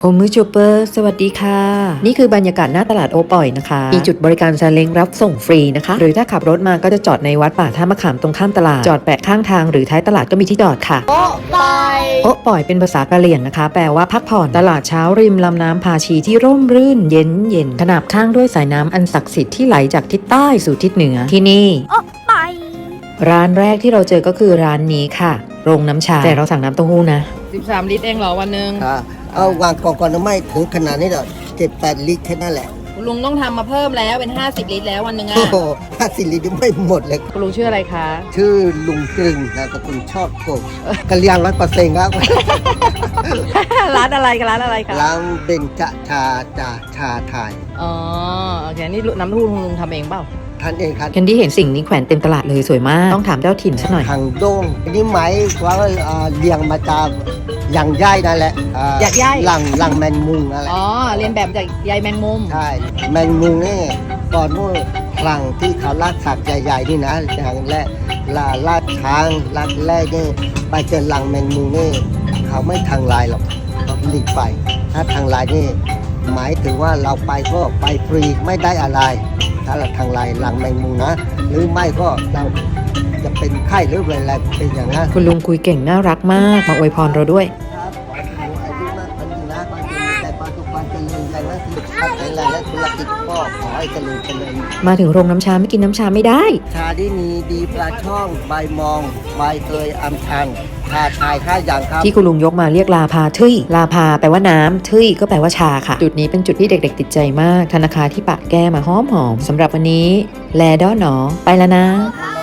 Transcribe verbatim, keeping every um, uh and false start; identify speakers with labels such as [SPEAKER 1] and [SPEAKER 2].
[SPEAKER 1] โอมือจูเปอร์สวัสดีค่ะนี่คือบรรยากาศหน้าตลาดโอปอยนะคะมีจุดบริการซาเล้งรับส่งฟรีนะคะหรือถ้าขับรถมาก็จะจอดในวัดป่าท่ามะขามตรงข้ามตลาดจอดแปะข้างทางหรือท้ายตลาดก็มีที่จอดค่ะโอปอยโอปอยเป็นภาษากะเหรี่ยงนะคะแปลว่าพักผ่อนตลาดเช้าริมลำน้ำพาชีที่ร่มรื่นเย็นเย็นขนาบข้างด้วยสายน้ำอันศักดิ์สิทธิ์ที่ไหลจากทิศใต้สู่ทิศเหนือที่นี่โอปอยร้านแรกที่เราเจอก็คือร้านนี้ค่ะโรงน้ำชาแต่เราสั่งน้ำเต้าหู้นะ
[SPEAKER 2] สิบสามลิตรเองเหรอวันหนึ่ง
[SPEAKER 3] เอาวางกองก่อนไม่ถึงขนาดนี้หรอกเจ็ดแปดลิตรแค่นั้นแหละ
[SPEAKER 2] คุณลุงต้องทำมาเพิ่มแล้วเป็นห้าสิบลิตรแล้ววันหนึ่งอ่ะ
[SPEAKER 3] โอ้โหห้าสิบลิตรไม่หมดเลย
[SPEAKER 2] คุณลุงชื่ออะไรคะ
[SPEAKER 3] ชื่อลุงกลึงนะแต่คุณชอบโกบกะเลียงร้อยเปอร์เซ็นต์ครับ
[SPEAKER 2] ร้านอะไรกันร้านอะไรคะ
[SPEAKER 3] ร้านเบญจชาจาชาไทย
[SPEAKER 2] อ๋อโอเคนี่น้ำทูคุณลุงทำเองเปล่า
[SPEAKER 3] ท่านเองครับ
[SPEAKER 1] แคนดี้เห็นสิ่งนี้แขวนเต็มตลาดเลยสวยมากต้องถามเจ้าถิ่นสักหน่อย
[SPEAKER 3] ทางโด้งอันนี้หมายว่าเลี้ยงมาจากอย่างย่ายนั่นแหละ
[SPEAKER 2] อยากย่าย
[SPEAKER 3] หลังหลังแมงมุมอะไร
[SPEAKER 2] อ๋อเรียนแบบจากใยแมงมุม
[SPEAKER 3] ใช่แมงมุมนี่ก่อนนู้นหลังที่เขาลากสักใหญ่ๆนี่นะอย่างแรกลาลาดช้างลาดแรกนี่ไปเจอหลังแมงมุมนี่เขาไม่ทางลายหรอกเขาหลีกไปถ้าทางลายนี่หมายถึงว่าเราไปก็ไปฟรีไม่ได้อะไรถ้าเราทางลายหลังแมงมุมนะหรือไม่ก็เราจะเป็นไข้หรืออะไรเป็นอย่างนั้น
[SPEAKER 1] คุณลุงคุยเก่งน่ารักมากมาอวยพรเราด้วย
[SPEAKER 3] ครับขอให้คุณอายุมากพันยืนนะขอให้คุณมีแต่ความสุขความเจริญใจและสุขภาพแข็งแรงและธุรกิจก็ขอให้เจริญเจริญ
[SPEAKER 1] มาถึงโรงน้ำชาไม่กินน้ำชาไม่ได้
[SPEAKER 3] ชาที่มีดีปลาช่องใบมองใบเตยอัมชันชาชายค่าอย่างครับ
[SPEAKER 1] ที่คุณลุงยกมาเรียกลาพาทึ่ยลาพาแปลว่าน้ำทึ่ยก็แปลว่าชาค่ะจุดนี้เป็นจุดที่เด็กๆติดใจมากธนาคารที่ปะแก้มาหอมๆสำหรับวันนี้แลด้อหนอไปแล้วนะ